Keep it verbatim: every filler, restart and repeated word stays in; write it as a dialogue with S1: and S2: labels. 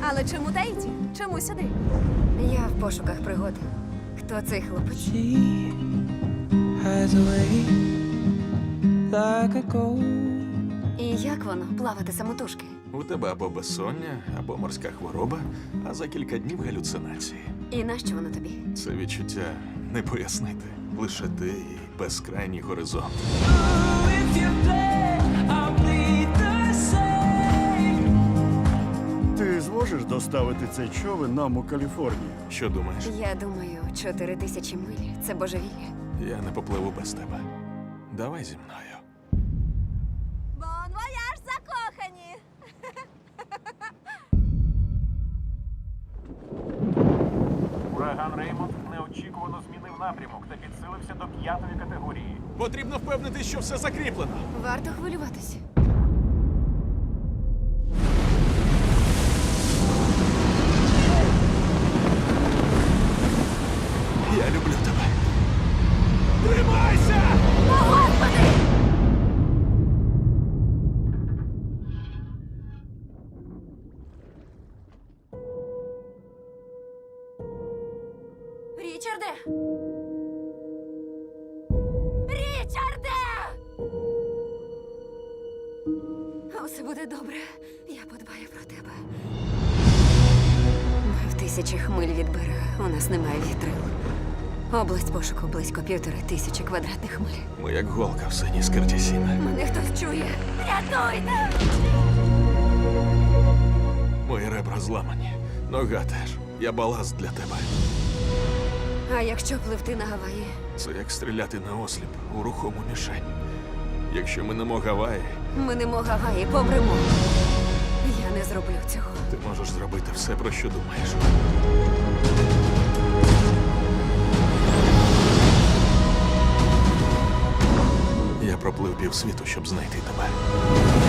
S1: Але чому Таїті? Чому сюди?
S2: Я в пошуках пригод. Хто цей хлопець?
S3: She hides away like a ghost.
S2: І як воно плавати самотужки?
S4: У тебе або безсоння, або морська хвороба, а за кілька днів галюцинації.
S2: І нащо воно тобі?
S4: Це відчуття не пояснити. Лише ти і безкрайній горизонт.
S3: If you play, I'll bleed the same.
S5: Ти зможеш доставити цей човен нам у Каліфорнію?
S4: Що думаєш?
S2: Я думаю, чотири тисячі миль – це божевілля.
S4: Я не попливу без тебе. Давай зі мною.
S1: Бон вояж, закохані!
S6: Ураган Реймонд неочікувано змінив напрямок та підсилився до п'ятої категорії.
S4: Потрібно впевнити, що все закріплено.
S2: Варто хвилюватися.
S4: Я люблю тебе. Тримайся!
S2: Річарде! Річарде! Усе буде добре. Я подбаю про тебе. Ми в тисячах миль від берега. У нас немає вітрил. Область пошуку близько півтори тисячі квадратних миль.
S4: Ми як голка в синій скирті сіна.
S2: Мене хтось чує. Рятуйте!
S4: Мої ребра зламані. Нога теж. Я баласт для тебе.
S2: А якщо пливти на Гаваї?
S4: Це як стріляти на осліп у рухому мішень. Якщо минемо Гаваї,
S2: Ми не мо Гаваї, помремо. Я не зроблю цього.
S4: ти можеш зробити все, про що думаєш. Я проплив півсвіту, щоб знайти тебе.